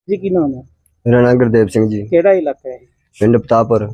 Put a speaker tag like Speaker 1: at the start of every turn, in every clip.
Speaker 1: ਜੀ ਕੀ ਨਾਮ ਹੈ?
Speaker 2: ਮੇਰਾ ਨਾਮ ਗੁਰਦੇਵ ਸਿੰਘ ਜੀ।
Speaker 1: ਕਿਹੜਾ ਇਲਾਕਾ ਹੈ?
Speaker 2: ਪਿੰਡ ਪਤਾਪੁਰ।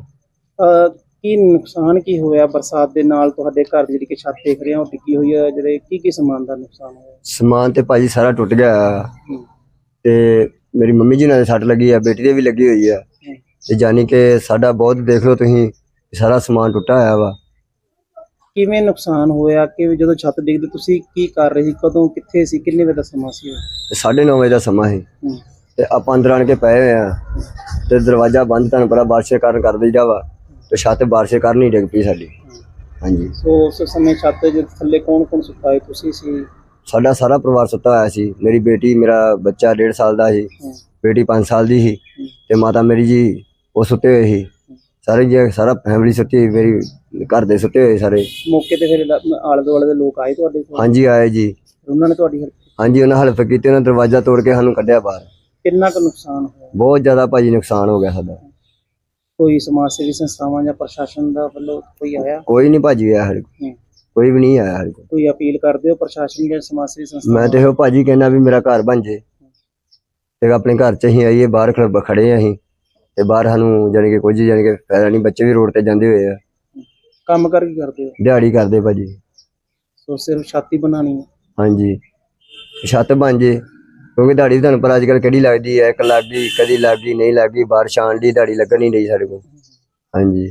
Speaker 1: ਕੀ ਨੁਕਸਾਨ ਕੀ ਹੋਇਆ ਬਰਸਾਤ ਦੇ ਨਾਲ? ਤੁਹਾਡੇ ਘਰ ਦੀ ਜਿਹੜੀ ਕਿ ਛੱਤ ਦੇਖ ਰਹੇ ਹੋ ਡਿੱਗੀ ਹੋਈ ਹੈ, ਜਿਹੜੇ ਕੀ ਸਮਾਨ ਦਾ ਨੁਕਸਾਨ ਹੋਇਆ?
Speaker 2: ਸਮਾਨ ਤੇ ਭਾਜੀ ਸਾਰਾ ਟੁੱਟ ਗਿਆ
Speaker 1: ਹੂੰ,
Speaker 2: ਤੇ ਮੇਰੀ ਮੰਮੀ ਜੀ ਨਾਲ ਸੱਟ ਲੱਗੀ ਆ, ਬੇਟੀ ਦੇ ਵੀ ਲੱਗੀ ਹੋਈ ਆ।
Speaker 1: ਹੂੰ।
Speaker 2: ਤੇ ਜਾਨੀ ਕਿ ਸਾਡਾ ਬਹੁਤ ਦੇਖ ਲਓ ਤੁਸੀਂ, ਸਾਰਾ ਸਮਾਨ ਟੁੱਟਾ ਹੋਇਆ ਵਾ।
Speaker 1: ਕਿਵੇਂ ਨੁਕਸਾਨ ਹੋਇਆ? ਕਿ ਜਦੋਂ ਛੱਤ ਡਿੱਗਦੀ ਤੁਸੀਂ ਕੀ ਕਰ ਰਹੇ ਸੀ? ਕਦੋਂ, ਕਿੱਥੇ ਸੀ? ਕਿੰਨੇ ਵਜੇ ਦਾ ਸਮਾਂ ਸੀ ਉਹ?
Speaker 2: 9:30 ਵਜੇ ਦਾ ਸਮਾਂ ਸੀ
Speaker 1: ਹੂੰ,
Speaker 2: ਤੇ ਆਪਾਂ ਅੰਦਰ ਆਣ ਕੇ ਪਏ ਹੋਏ ਆ ਤੇ ਦਰਵਾਜ਼ਾ ਬੰਦ, ਤੁਹਾਨੂੰ ਪਤਾ ਬਾਰਿਸ਼ ਕਾਰਨ ਕਰ ਦਈਦਾ ਵਾ, ਤੇ ਛੱਤ ਬਾਰਿਸ਼ ਕਾਰਨ ਨਹੀਂ ਡਿੱਗ ਪਈ ਸਾਡੀ। ਹਾਂਜੀ।
Speaker 1: ਸੋ ਉਸ ਸਮੇਂ ਛੱਤ ਦੇ ਥੱਲੇ ਕੌਣ ਸੁੱਤਾ ਹੈ? ਤੁਸੀਂ ਸੀ?
Speaker 2: ਸਾਡਾ ਸਾਰਾ ਪਰਿਵਾਰ ਸੁੱਤਾ ਹੋਇਆ ਸੀ। ਮੇਰੀ ਬੇਟੀ, ਮੇਰਾ ਬੱਚਾ 1.5 ਸਾਲ ਦਾ ਸੀ,
Speaker 1: ਹੂੰ,
Speaker 2: ਬੇਟੀ 5 ਸਾਲ ਦੀ ਸੀ ਤੇ ਮਾਤਾ ਮੇਰੀ ਜੀ ਉਹ ਸੁੱਤੇ ਹੋਏ ਸੀ। ਸਾਰੇ ਜੀ ਸਾਰਾ ਫੈਮਿਲੀ ਸੁੱਤੀ ਹੋਈ, ਮੇਰੀ ਘਰ ਦੇ ਸੁੱਤੇ ਹੋਏ ਸਾਰੇ।
Speaker 1: ਮੌਕੇ ਤੇ ਫਿਰ ਆਲੇ ਦੁਆਲੇ ਦੇ ਲੋਕ ਆਏ ਤੁਹਾਡੇ ਕੋਲ?
Speaker 2: ਹਾਂਜੀ ਆਏ ਜੀ।
Speaker 1: ਉਹਨਾਂ ਨੇ ਤੁਹਾਡੀ help ਕੀਤੀ?
Speaker 2: ਹਾਂਜੀ, ਉਹਨਾਂ ਹੈਲਪ ਕੀਤੀ, ਉਹਨਾਂ ਦਰਵਾਜ਼ਾ ਤੋੜ ਕੇ ਸਾਨੂੰ ਕੱਢਿਆ ਬਾਹਰ।
Speaker 1: ਕਿੰਨਾ ਕੁ ਨੁਕਸਾਨ ਹੋਇਆ?
Speaker 2: ਬਹੁਤ ਜ਼ਿਆਦਾ ਭਾਜੀ ਨੁਕਸਾਨ ਹੋ ਗਿਆ ਸਾਡਾ।
Speaker 1: ਕੋਈ ਸਮਾਜ ਸੇਵੀ ਸੰਸਥਾਵਾਂ ਜਾਂ ਪ੍ਰਸ਼ਾਸਨ ਦਾ ਵੱਲੋਂ ਕੋਈ ਆਇਆ?
Speaker 2: ਕੋਈ ਨਹੀਂ ਭਾਜੀ ਆਇਆ ਸਾਡੇ ਕੋਲ,
Speaker 1: ਹੂੰ।
Speaker 2: ਕੋਈ ਵੀ ਨਹੀਂ ਆਇਆ ਸਾਡੇ ਕੋਲ।
Speaker 1: ਕੋਈ ਅਪੀਲ ਕਰਦੇ ਹੋ ਪ੍ਰਸ਼ਾਸਨ ਜਾਂ ਸਮਾਜ ਸੇਵੀ ਸੰਸਥਾਵਾਂ?
Speaker 2: ਮੈਂ ਤੇ ਇਹੋ ਭਾਜੀ ਕਹਿਣਾ ਵੀ ਮੇਰਾ ਘਰ ਬਣ ਜੇ ਤੇ ਆਪਣੇ ਘਰ 'ਚ ਅਸੀਂ ਆਈਏ। ਬਾਹਰ ਖੜੇ ਆ ਅਸੀਂ ਤੇ ਬਾਹਰ ਸਾਨੂੰ ਜਾਣੀ ਕਿ ਕੁਝ ਜਾਣੀ ਕਿ ਫਾਇਦਾ ਨਹੀਂ। ਬੱਚੇ ਵੀ ਰੋਡ ਤੇ ਜਾਂਦੇ ਹੋਏ ਆ।
Speaker 1: ਕੰਮ ਕਰ ਕੀ ਕਰਦੇ ਹੋ?
Speaker 2: ਦਿਹਾੜੀ ਕਰਦੇ ਭਾਜੀ।
Speaker 1: ਸੋ ਸਿਰਫ ਛਾਤੀ ਬਣਾਣੀ ਹੈ?
Speaker 2: ਹਾਂਜੀ, ਛੱਤ ਬਣ ਜੇ, ਕਿਉਂਕਿ ਦਿਹਾੜੀ ਤੁਹਾਨੂੰ ਪਤਾ ਅੱਜ ਕੱਲ੍ਹ ਕਿਹੜੀ ਲੱਗਦੀ ਹੈ। ਇੱਕ ਲੱਗ ਗਈ, ਕਦੀ ਲੱਗ ਗਈ, ਨਹੀਂ ਲੱਗ ਗਈ, ਬਾਰਿਸ਼ ਆਉਣ ਦੀ ਦਿਹਾੜੀ ਲੱਗਣ ਨਹੀਂ ਰਹੀ ਸਾਡੇ ਕੋਲ। ਹਾਂਜੀ।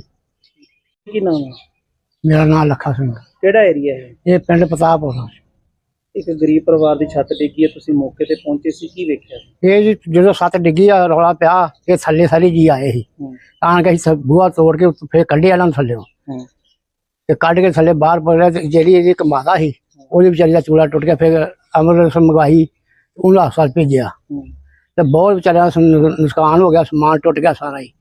Speaker 1: ਕੀ ਨਾਮ ਹੈ?
Speaker 3: ਮੇਰਾ ਨਾਮ ਲੱਖਾ ਸਿੰਘ।
Speaker 1: ਕਿਹੜਾ ਏਰੀਆ ਹੈ?
Speaker 3: ਇਹ ਪਿੰਡ ਪਤਾਪੁਰ।
Speaker 1: ਇੱਕ ਗਰੀਬ ਪਰਿਵਾਰ ਦੀ ਛੱਤ ਡਿੱਗੀ ਹੈ, ਤੁਸੀਂ ਮੌਕੇ ਤੇ ਪਹੁੰਚੇ ਸੀ, ਕੀ ਵੇਖਿਆ?
Speaker 3: ਇਹ ਜੀ ਜਦੋਂ ਛੱਤ ਡਿੱਗੀ ਆ, ਰੌਲਾ ਪਿਆ, ਇਹ ਥੱਲੇ ਸਾਰੇ ਜੀ ਆਏ ਸੀ।
Speaker 1: ਹੂੰ,
Speaker 3: ਆਣ ਕੇ ਅਸੀਂ ਬੂਹਾ ਤੋੜ ਕੇ ਫਿਰ ਕੱਢਿਆ ਇਹਨਾਂ ਨੂੰ ਥੱਲਿਓਂ
Speaker 1: ਹੂੰ,
Speaker 3: ਤੇ ਕੱਢ ਕੇ ਥੱਲੇ ਬਾਹਰ ਪੜਿਆ। ਤੇ ਜਿਹੜੀ ਇਹਦੀ ਇੱਕ ਮਾਤਾ ਸੀ, ਉਹਦੀ ਵਿਚਾਰੀ ਦਾ ਚੂਲਾ ਟੁੱਟ ਗਿਆ। ਫਿਰ ਅੰਮ੍ਰਿਤਸਰ ਮੰਗਵਾਈ, ਉਹਨੂੰ ਹਸਪਤਾਲ ਭੇਜਿਆ
Speaker 1: ਹੂੰ।
Speaker 3: ਤੇ ਬਹੁਤ ਵਿਚਾਰਿਆਂ ਦਾ ਨੁਕਸਾਨ ਹੋ ਗਿਆ, ਸਮਾਨ ਟੁੱਟ ਗਿਆ ਸਾਰਾ ਹੀ।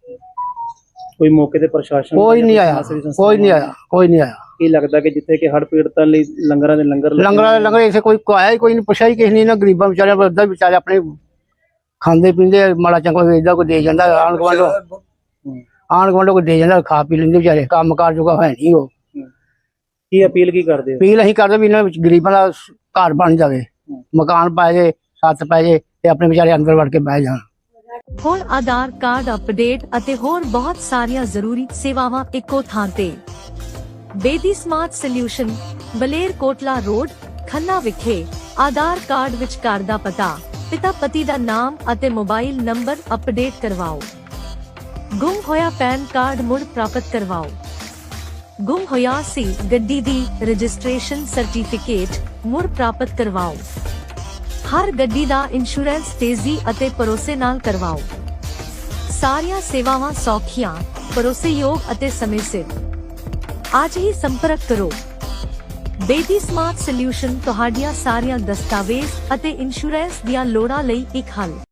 Speaker 1: ਕੋਈ ਮੌਕੇ ਤੇ ਪ੍ਰਸ਼ਾਸਨ?
Speaker 3: ਕੋਈ ਨਹੀਂ ਆਇਆ, ਕੋਈ ਨਹੀਂ ਆਇਆ, ਕੋਈ ਨਹੀਂ ਆਇਆ।
Speaker 1: ਕੀ ਲੱਗਦਾ ਕਿ ਜਿੱਥੇ ਕਿ ਹੜ੍ਹ ਪੀੜਤਾਂ ਲਈ ਲੰਗਰਾਂ ਦੇ ਲੰਗਰ
Speaker 3: ਲੰਗਰ ਇਸੇ ਕੋਈ ਆਇਆ ਹੀ ਕੋਈ ਨਹੀਂ, ਪੁੱਛਿਆ ਹੀ ਕਿਸੇ ਨੇ। ਨਾ ਗਰੀਬਾਂ ਵਿਚਾਰਿਆਂ ਪਰ ਏਦਾਂ ਵਿਚਾਰੇ ਆਪਣੇ ਖਾਂਦੇ ਪੀਂਦੇ ਮਾੜਾ ਚੰਗਾ ਏਦਾਂ ਕੋਈ ਦੇ ਜਾਂਦਾ। ਆਣ ਗੁਆਂਢੋਂ ਕੋਈ ਦੇ ਜਾਂਦਾ, ਖਾ ਪੀ ਲੈਂਦੇ ਵਿਚਾਰੇ। ਕੰਮ ਕਾਰ ਜੋਗਾ ਹੈ ਨਹੀਂ ਉਹ।
Speaker 1: ਕੀ ਅਪੀਲ ਕੀ ਕਰਦੇ ਹੋ?
Speaker 3: ਅਪੀਲ ਅਸੀਂ ਕਰਦੇ ਵੀ ਇਹਨਾਂ ਵਿੱਚ ਗਰੀਬਾਂ ਦਾ ਘਰ ਬਣ ਜਾਵੇ, ਮਕਾਨ ਪਾਏ ਜੇ, ਛੱਤ ਪੈ ਜੇ ਤੇ ਆਪਣੇ ਵਿਚਾਰੇ ਅੰਦਰ ਵੜ ਕੇ ਬਹਿ ਜਾਣ।
Speaker 4: ਹੋਰ ਆਧਾਰ ਕਾਰਡ ਅਪਡੇਟ ਅਤੇ ਹੋਰ ਬਹੁਤ ਸਾਰੀਆਂ ਜ਼ਰੂਰੀ ਸੇਵਾਵਾਂ ਇੱਕੋ ਥਾਂ ਤੇ। ਬੇਦੀ ਸਮਾਰਟ ਸੋਲਿਊਸ਼ਨ, ਬਲੇਰ ਕੋਟਲਾ ਰੋਡ, ਖੰਨਾ ਵਿਖੇ। ਆਧਾਰ ਕਾਰਡ ਵਿੱਚ ਘਰ ਦਾ ਪਤਾ, ਪਿਤਾ ਪਤੀ ਦਾ ਨਾਮ ਅਤੇ ਮੋਬਾਈਲ ਨੰਬਰ ਅਪਡੇਟ ਕਰਵਾਓ। ਗੁੰਮ ਹੋਇਆ ਪੈਨ ਕਾਰਡ ਮੁੜ ਪ੍ਰਾਪਤ ਕਰਵਾਓ। ਗੁੰਮ ਹੋਇਆ ਸੀ ਗੱਡੀ ਦੀ ਰਜਿਸਟ੍ਰੇਸ਼ਨ ਸਰਟੀਫਿਕੇਟ ਮੁੜ ਪ੍ਰਾਪਤ ਕਰਵਾਓ। ਹਰ ਗੱਡੀ ਦਾ ਇੰਸ਼ੋਰੈਂਸ ਤੇਜ਼ੀ ਅਤੇ ਭਰੋਸੇ ਨਾਲ ਕਰਵਾਓ। ਸਾਰੀਆਂ ਸੇਵਾਵਾਂ ਸੌਖੀਆਂ, ਭਰੋਸੇਯੋਗ ਅਤੇ ਸਮੇਂ ਸਿਰ। ਅੱਜ ਹੀ ਸੰਪਰਕ ਕਰੋ। ਬੇਦੀ ਸਮਾਰਟ ਸੋਲਿਊਸ਼ਨ ਤੁਹਾਡੀਆਂ ਸਾਰੀਆਂ ਦਸਤਾਵੇਜ਼ ਅਤੇ ਇੰਸ਼ੋਰੈਂਸ ਦੀਆਂ ਲੋੜਾਂ ਲਈ ਇੱਕ ਹੱਲ।